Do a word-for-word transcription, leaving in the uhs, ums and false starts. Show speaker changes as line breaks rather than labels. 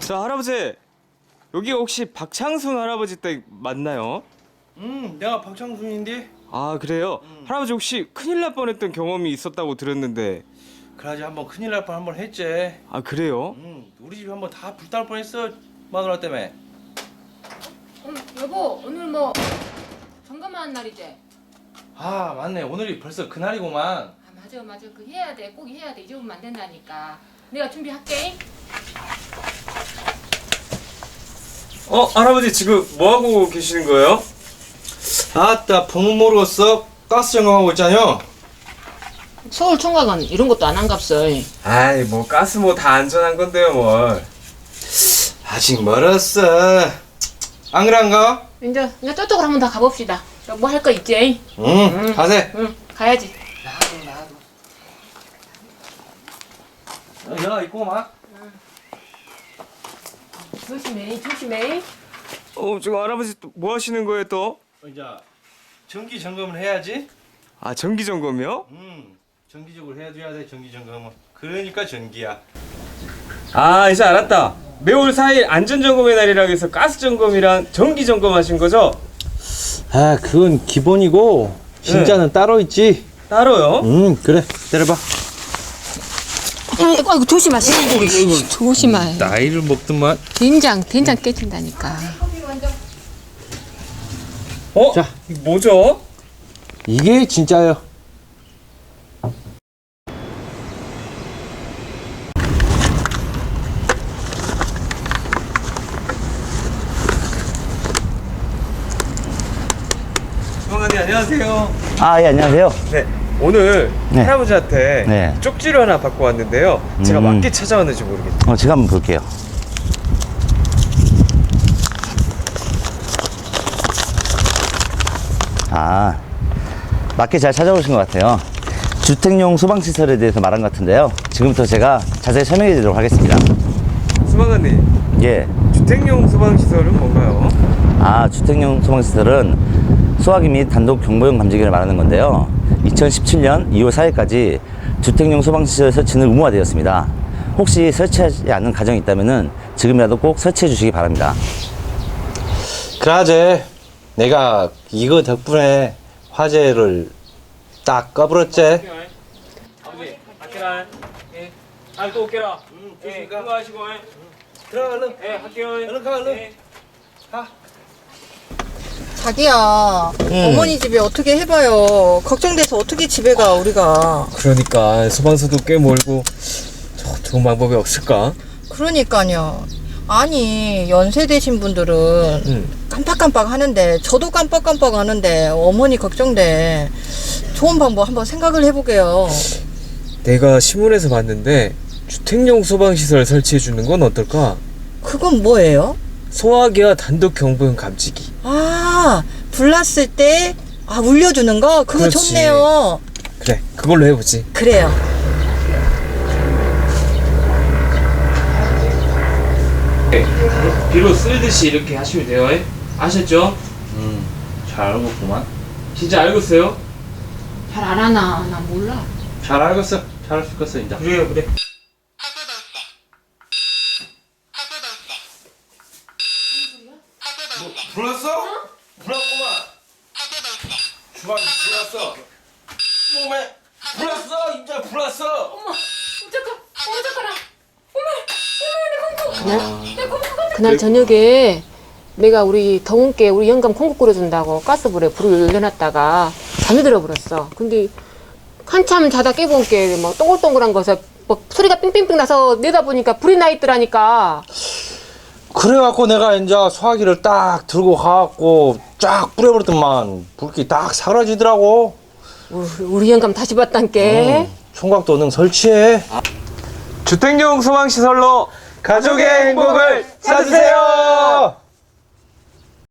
자, 할아버지, 여기 혹시 박창순 할아버지 댁 맞나요?
음, 내가 박창순인데.
아, 그래요?
음.
할아버지 혹시 큰일 날 뻔했던 경험이 있었다고 들었는데.
그러지 한번 큰일 날 뻔 한번 했지.
아, 그래요?
음, 우리 집이 한번 다 불탈 뻔했어 마누라 때문에.
음, 여보 오늘 뭐 점검하는 날이지?
아 맞네, 오늘이 벌써 그날이구만.
아 맞아 맞아 그 해야 돼 꼭 해야 돼 잊어보면 안 된다니까. 내가 준비할게.
어, 할아버지 지금 뭐 하고 계시는 거예요?
아따, 보면 모르겠어. 가스 점검하고 있잖여.
서울 총각은 이런 것도 안 한갑서.
아이, 뭐 가스 뭐 다 안전한 건데요, 뭘.
아직 멀었어. 안 그런가?
이제 이제 저쪽으로 한번 더 가봅시다. 뭐 할 거 있지?
응,
응.
가세.
응 가야지.
나도 나도. 야, 있구만.
조심해 조심해.
어, 지금 할아버지 또 뭐 하시는 거예요, 또?
이제 정기 점검을 해야지.
아, 정기 점검이요?
음, 정기적으로 해줘야 돼. 정기 점검은. 그러니까 전기야.
아, 이제 알았다. 매월 사 일 안전점검의 날이라고 해서 가스 점검이랑 정기 점검 하신 거죠?
아, 그건 기본이고 진짜는 따로 있지.
따로요?
응, 그래. 때려봐.
아이고 아이고 조심하시. 조심해.
나이를 먹더만.
된장 된장 깨진다니까.
어?
자.
이거 뭐죠?
이게 진짜요.
수방관님 안녕하세요.
아, 예, 안녕하세요.
네, 오늘
네.
할아버지한테
네.
쪽지를 하나 받고 왔는데요. 제가
음.
맞게 찾아왔는지 모르겠네요.
어, 제가 한번 볼게요. 아, 맞게 잘 찾아오신 것 같아요. 주택용 소방시설에 대해서 말한 것 같은데요. 지금부터 제가 자세히 설명해 드리도록 하겠습니다.
수방관님,
예.
주택용 소방시설은 뭔가요?
아, 주택용 소방시설은 소화기 및 단독 경보용 감지기를 말하는 건데요. 이천십칠 년 이월 사일까지 주택용 소방시설 설치는 의무화되었습니다. 혹시 설치하지 않은 가정이 있다면 지금이라도 꼭 설치해 주시기 바랍니다.
그라제 내가 이거 덕분에 화재를 딱 꺼버렸지.
아버지, 할게라. 예. 아, 또 올게라.
응,
예,
조심가.
수고하시고.
들어가, 얼른.
예, 할게요.
얼른 가, 얼른.
예.
자기야, 어머니 집에 어떻게 해봐요. 걱정돼서 어떻게 집에 가, 우리가.
그러니까 소방서도 꽤 멀고 저, 좋은 방법이 없을까?
그러니까요. 아니, 연세 되신 분들은
응.
깜빡깜빡 하는데, 저도 깜빡깜빡 하는데, 어머니 걱정돼. 좋은 방법 한번 생각을 해보게요.
내가 신문에서 봤는데 주택용 소방시설 설치해 주는 건 어떨까?
그건 뭐예요?
소화기와 단독 경보용 감지기.
아, 불났을 때, 아, 울려주는 거? 그거
그렇지.
좋네요.
그래, 그걸로 해보지.
그래요.
비로 쓸듯이 이렇게 하시면 돼요. 아셨죠?
음, 잘 알겠구만.
진짜 알고 있어요?
잘 안 하나 나 몰라.
잘 알겠어. 잘 알겠어, 이제.
그래요, 그래.
뭐, 불났어? 불났구만. 주방이 불났어. 왜? 불났어, 이제 불났어.
어머 잠깐 어머 잠깐아. 어머 어머 내 콩국. 내 콩국. 그날 저녁에 내가 우리 더운께 우리 영감 콩국 끓여준다고 가스불에 불을 올려놨다가 잠이 들어버렸어. 근데 한참 자다 깨본 게막 동글동글한 거서 막 소리가 삥삥삥 나서 내다보니까 불이 나 있더라니까.
그래갖고 내가 이제 소화기를 딱 들고 가갖고 쫙 뿌려버렸더만 불기 딱 사라지더라고.
우리, 우리 영감 다시 봤단께.
응, 총각도 능 설치해.
주택용 소방시설로 가족의 행복을 찾으세요.